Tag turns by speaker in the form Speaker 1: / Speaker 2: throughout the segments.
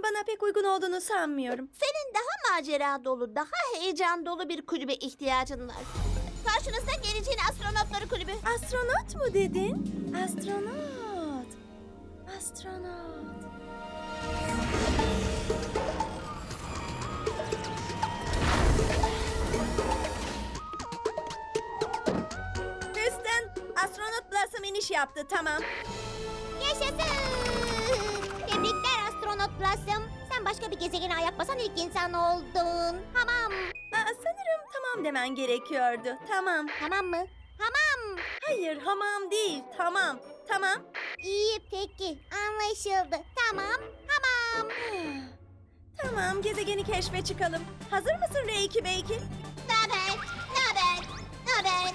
Speaker 1: bana pek uygun olduğunu sanmıyorum.
Speaker 2: Senin daha macera dolu, daha heyecan dolu bir kulübe ihtiyacın var. Karşınızda geleceğin astronotları kulübü.
Speaker 1: Astronot mu dedin? Astronot. Astronot. Houston, astronot Blossom iniş yaptı, tamam.
Speaker 2: Yaşasın! Tebrikler astronot Blossom. Sen başka bir gezegene ayak basan ilk insan oldun. Tamam.
Speaker 1: Sanırım tamam demen gerekiyordu. Tamam.
Speaker 2: Tamam mı? Tamam.
Speaker 1: Hayır, hamam değil. Tamam. Tamam.
Speaker 2: İyi peki. Anlaşıldı. Tamam. Tamam.
Speaker 1: Tamam, gezegeni keşfe çıkalım. Hazır mısın R2 belki?
Speaker 2: Naber? Naber? Naber?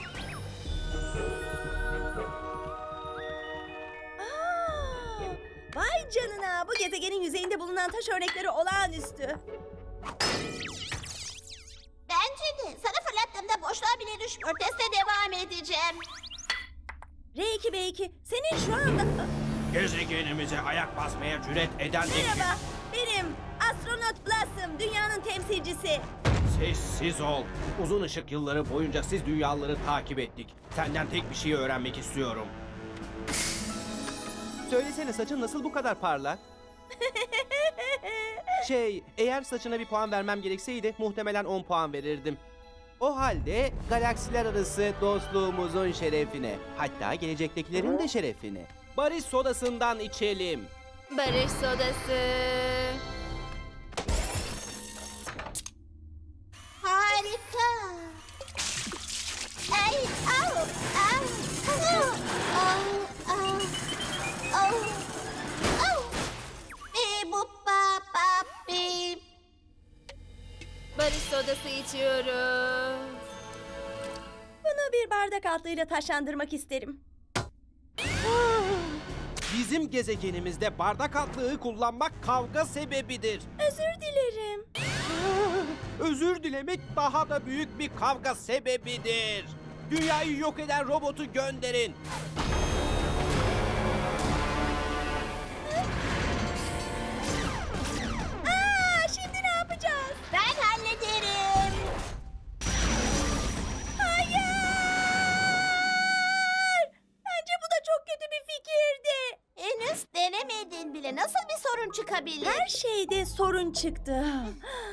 Speaker 1: Vay canına, bu gezegenin yüzeyinde bulunan taş örnekleri olağanüstü.
Speaker 2: Bence de. Sana fırlattığımda boşluğa bile düşmüyor. Teste devam edeceğim.
Speaker 1: R2 belki senin şu anda...
Speaker 3: Gezegenimize ayak basmaya cüret eden
Speaker 1: Merhaba, benim astronot Blossom, dünyanın temsilcisi.
Speaker 3: Sessiz ol. Uzun ışık yılları boyunca siz dünyaları takip ettik. Senden tek bir şey öğrenmek istiyorum.
Speaker 4: Söylesene, saçın nasıl bu kadar parlak? Eğer saçına bir puan vermem gerekseydi muhtemelen 10 puan verirdim. O halde galaksiler arası dostluğumuzun şerefine, hatta gelecektekilerin de şerefine, barış sodasından içelim.
Speaker 5: Barış sodası.
Speaker 2: Harika. Ay, au, au, au, au, au, au, au. Bu pa bip.
Speaker 5: Barış sodası içiyoruz.
Speaker 1: Bunu bir bardak altlığıyla taşlandırmak isterim.
Speaker 4: Bizim gezegenimizde bardak altlığı kullanmak kavga sebebidir.
Speaker 1: Özür dilerim.
Speaker 4: Özür dilemek daha da büyük bir kavga sebebidir. Dünyayı yok eden robotu gönderin.
Speaker 1: Şimdi ne yapacağız?
Speaker 2: Ben hallederim.
Speaker 1: Hayır! Bence bu da çok kötü bir fikirdi.
Speaker 2: Henüz denemedin bile. Nasıl bir sorun çıkabilir?
Speaker 1: Her şeyde sorun çıktı.